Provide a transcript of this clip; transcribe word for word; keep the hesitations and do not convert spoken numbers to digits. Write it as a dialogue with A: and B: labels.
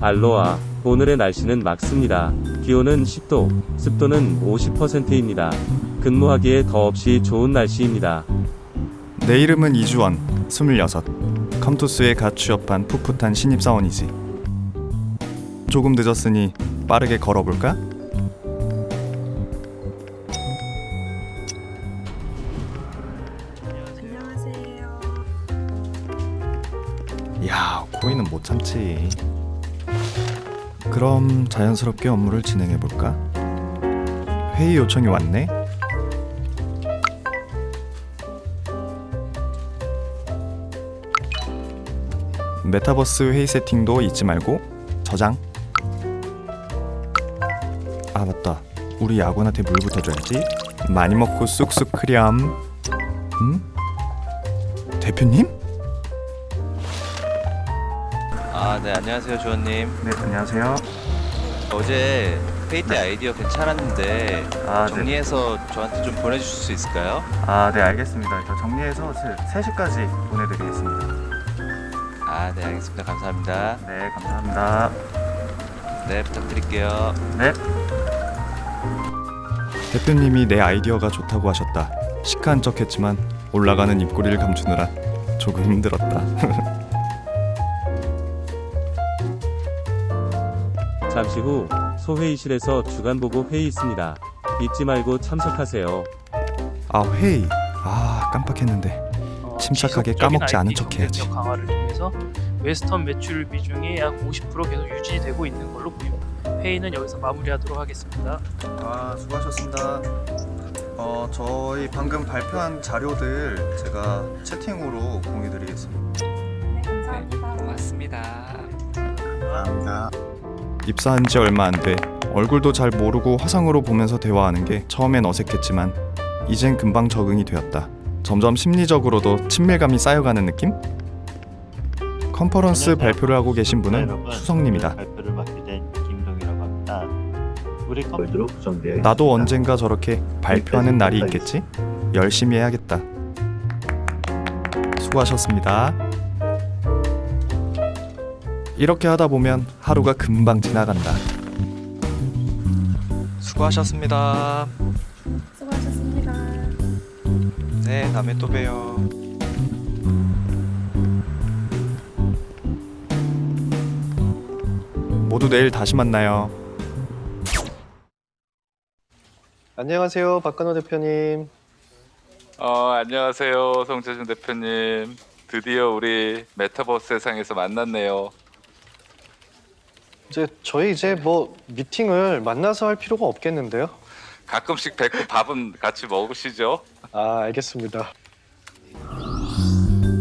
A: 알로하, 오늘의 날씨는 맑습니다. 기온은 십 도, 습도는 오십 퍼센트입니다. 근무하기에 더없이 좋은 날씨입니다.
B: 내 이름은 이주원, 스물여섯. 컴투스에 갓 취업한 풋풋한 신입사원이지. 조금 늦었으니 빠르게 걸어볼까?
C: 안녕하세요.
B: 야, 코인은 못 참지. 그럼 자연스럽게 업무를 진행해볼까? 회의 요청이 왔네? 메타버스 회의 세팅도 잊지 말고 저장. 아 맞다, 우리 야구한테 물부터 줘야지. 많이 먹고 쑥쑥 크렴. 응? 대표님?
D: 아, 네, 안녕하세요, 주원님.
B: 네, 안녕하세요.
D: 어제 회의 때 아이디어 괜찮았는데
B: 아,
D: 정리해서 저한테 좀 보내주실 수 있을까요?
B: 아, 네, 알겠습니다. 저 정리해서 세 시까지 보내드리겠습니다.
D: 아, 네, 알겠습니다. 감사합니다.
B: 네, 감사합니다.
D: 네, 부탁드릴게요.
B: 네. 대표님이 내 아이디어가 좋다고 하셨다. 시크한 척했지만 올라가는 입꼬리를 감추느라 조금 힘들었다.
A: 잠시 후 소회의실에서 주간보고 회의 있습니다. 잊지 말고 참석하세요.
B: 아, 회의. 아, 깜빡했는데. 침착하게 까먹지 않은 척 해야지.
E: 경쟁력 강화를 통해서 웨스턴 매출 비중이 약 오십 퍼센트 계속 유지되고 있는 걸로 보입니다. 회의는 여기서 마무리하도록 하겠습니다.
B: 아, 수고하셨습니다. 어, 저희 방금 발표한 자료들 제가 채팅으로 공유드리겠습니다.
C: 네, 감사합니다.
D: 고맙습니다.
B: 감사합니다. 입사한 지 얼마 안 돼. 얼굴도 잘 모르고 화상으로 보면서 대화하는 게 처음엔 어색했지만 이젠 금방 적응이 되었다. 점점 심리적으로도 친밀감이 쌓여가는 느낌? 컨퍼런스 발표를 하고 계신 분은 수성님이다.
F: 발표를 맡게 된 김동이라고 합니다. 우리 컴퓨터로 구성되어 있습니다.
B: 나도 언젠가 저렇게 발표하는 날이 있겠지? 열심히 해야겠다. 수고하셨습니다. 이렇게 하다 보면 하루가 금방 지나간다.
D: 수고하셨습니다.
C: 수고하셨습니다.
D: 네, 다음에 또 봬요.
B: 모두 내일 다시 만나요.
G: 안녕하세요, 박근호 대표님.
H: 어, 안녕하세요, 송재준 대표님. 드디어 우리 메타버스 세상에서 만났네요.
G: 이제 저희 이제 뭐 미팅을 만나서 할 필요가 없겠는데요?
H: 가끔씩 뵙고 밥은 같이 먹으시죠?
G: 아, 알겠습니다.